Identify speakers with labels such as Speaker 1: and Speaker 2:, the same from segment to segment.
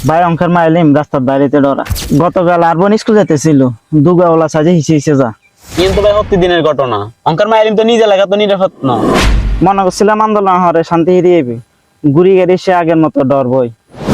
Speaker 1: ভাই অঙ্কের মাইলিম রাস্তার দাঁড়িয়ে ডরা গতকাল আরবন স্কুল যেতেছিল দুগাওলা সাজে হিসে যা
Speaker 2: কিন্তু ভাই প্রতিদিনের ঘটনা। অঙ্কার মায়ের তো নিজে লাগা তো নিরাপদ না।
Speaker 1: মনে করছিলাম আন্দোলন হরে শান্তি হিরিয়ে ঘুরি গেড়ি সে আগের মতো ডর বই।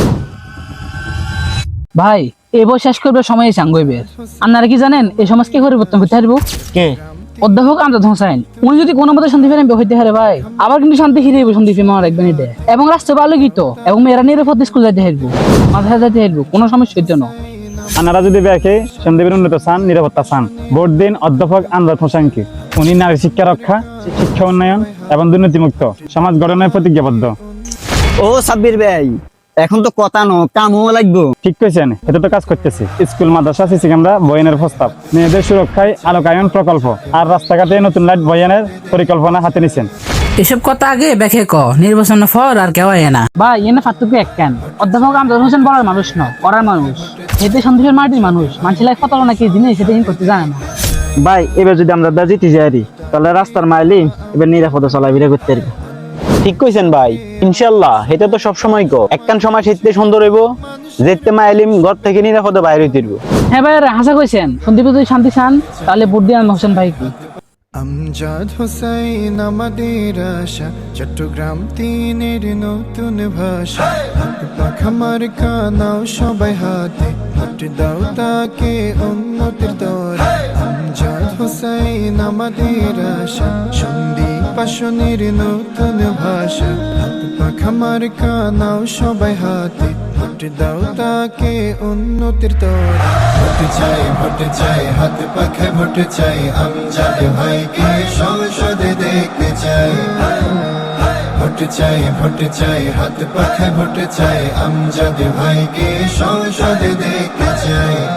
Speaker 3: ভাই এই বই শেষ করবে সময় সাঙ্গইবে। আপনারা কি জানেন এই সমাজ কি পরিবর্তন করতে পারবো?
Speaker 1: কে?
Speaker 3: অধ্যাপক আমজাদ হোসেন। উনি যদি কোনো মতে শান্তি ফেরেন হইতে হারে ভাই, আবার কিন্তু শান্তি ফিরে শান্তি ফিরে মারা রাখবেন এটা। এবং রাস্তা আলোকিত এবং মেয়েরা নিরাপদ স্কুল যাইতে হারবো, মাথায় যাইতে হারবো, কোনো সমস্যা হইতো না।
Speaker 4: আপনারা যদি দেখে সন্দীপের উন্নত চান, নিরাপত্তা চান, ভোট দিন অধ্যাপক আমজাদ হোসেনকে। উনি নারী শিক্ষা রক্ষা, শিক্ষা উন্নয়ন এবং দুর্নীতিমুক্ত সমাজ গঠনের প্রতিজ্ঞাবদ্ধ।
Speaker 5: ও সাব্বির ভাই, এখন তো কথা নো কামও লাগবো।
Speaker 4: ঠিক কইছেন, এটা তো কাজ করতেছি। স্কুল, মাদ্রাসা, সিসি ক্যামেরা বয়ানের প্রস্তাব, মেয়েদের সুরক্ষায় আলোকায়ন প্রকল্প আর রাস্তাঘাটে নতুন লাইট বয়ানের পরিকল্পনা হাতে নিছেন।
Speaker 6: এসব কথা আগে ব্যাখ্যা ক, নির্বাচন ফর আর কেউ হয় না।
Speaker 3: ভাই এনে ফাতুকে এক কেন অধ্যাপক আমজাদ হোসেন বলার মানুষ ন, করার মানুষ। এতে সন্দীপের মাটির মানুষ, মানুষের কত নাকি জিনিস সেটা করতে জানে না।
Speaker 1: ভাই এবার যদি আমরা জিতে যাই তাহলে রাস্তার মাইলিম এবার নিরাপদে চলাফেরা করতে পারবো।
Speaker 2: ঠিক কইছেন ভাই, ইনশাল্লাহ এটা তো সব সময় গো। একখান সময় শীতে সুন্দর হইব, যেতে মাইলিম ঘর থেকে নিরাপদে বাইরে হইতে পারবো।
Speaker 3: হ্যাঁ ভাই হাসা কইছেন, সন্দীপ যদি শান্তি চান তাহলে ভোট দিয়ে হোসেন ভাই কি।
Speaker 7: আমজাদ হোসেন আমাদের আশা, চট্টগ্রাম তিনের নতুন ভাষা। খামার কানাও সবাই হাতে, ভোট দাও তাকে উন্নতির দরে। আমজাদ হোসেন আমাদের আশা, সন্দীপ আসনের নতুন ভাষা। খামার কানাও সবাই হাতে, ভোট দাও তাকে উন্নতির দরে। ভোট চাই হাত পাখে ভোট চাই, আমজাদ ভাইকে সংসদে দেখতে চাই। ভোট চাই হাত পাখে ভোট চাই, আমজাদ ভাইকে সংসদে দেখতে চাই।